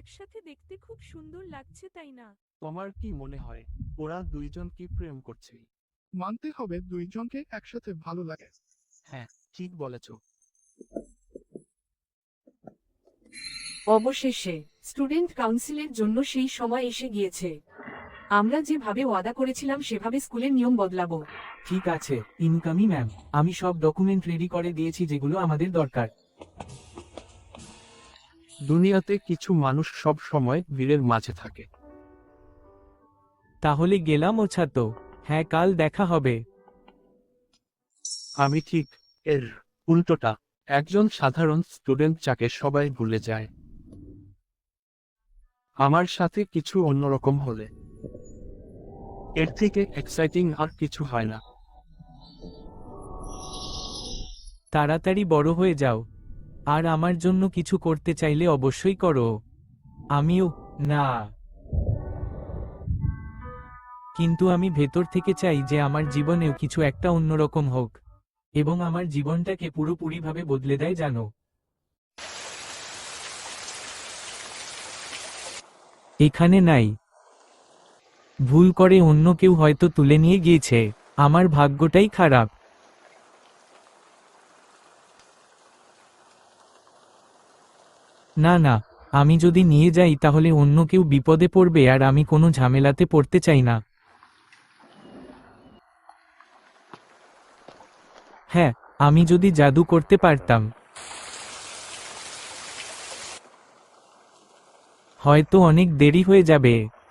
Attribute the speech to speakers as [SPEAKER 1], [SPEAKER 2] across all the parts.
[SPEAKER 1] একসাথে দেখতে খুব সুন্দর লাগছে, তাই না?
[SPEAKER 2] তোমার কি মনে হয় ওরা দুইজন কি প্রেম করছে?
[SPEAKER 3] মানতে হবে দুইজনকে একসাথে ভালো লাগে।
[SPEAKER 2] হ্যাঁ, ঠিক বলেছ।
[SPEAKER 4] অবশেষে স্টুডেন্ট কাউন্সিলের জন্য সেই সময় এসে গিয়েছে। আমরা যেভাবে ওয়াদা করেছিলাম সেভাবে স্কুলের নিয়ম বদলাবো।
[SPEAKER 5] ঠিক আছে ইনকামি ম্যাম, আমি সব ডকুমেন্ট রেডি করে দিয়েছি যেগুলো আমাদের দরকার।
[SPEAKER 2] দুনিয়াতে কিছু মানুষ সব সময় ভিড়ের মাঝে থাকে।
[SPEAKER 5] তাহলে গেলাম ও ছাতো। হ্যাঁ, কাল দেখা হবে।
[SPEAKER 2] আমি ঠিক এর উল্টোটা, একজন সাধারণ স্টুডেন্ট যাকে সবাই ভুলে যায়। আমার সাথে কিছু অন্যরকম হলে এর থেকে এক্সাইটিং আর কিছু হয় না।
[SPEAKER 5] তাড়াতাড়ি বড় হয়ে যাও, আর আমার জন্য কিছু করতে চাইলে অবশ্যই করো। আমিও না, কিন্তু আমি ভেতর থেকে চাই যে আমার জীবনেও কিছু একটা অন্যরকম হোক, এবং আমার জীবনটাকে পুরোপুরিভাবে বদলে দেয়, জানো। এখানে নাই, ভুল করে অন্য কেউ হয়তো তুলে নিয়ে গিয়েছে। আমার ভাগ্যটাই খারাপ। না না, আমি যদি নিয়ে যাই তাহলে অন্য কেউ বিপদে পড়বে, আর আমি কোনো ঝামেলাতে পড়তে চাই না। হ্যাঁ, আমি যদি জাদু করতে পারতাম, হয়তো অনেক দেরি হয়ে যাবে।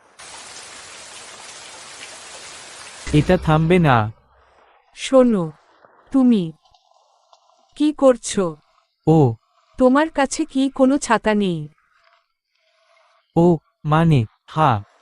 [SPEAKER 5] এটা থামবে না।
[SPEAKER 4] শোনো, তুমি কি করছো?
[SPEAKER 5] ও,
[SPEAKER 4] তোমার কাছে কি কোনো ছাতা নেই?
[SPEAKER 5] ও, মানে হ্যাঁ,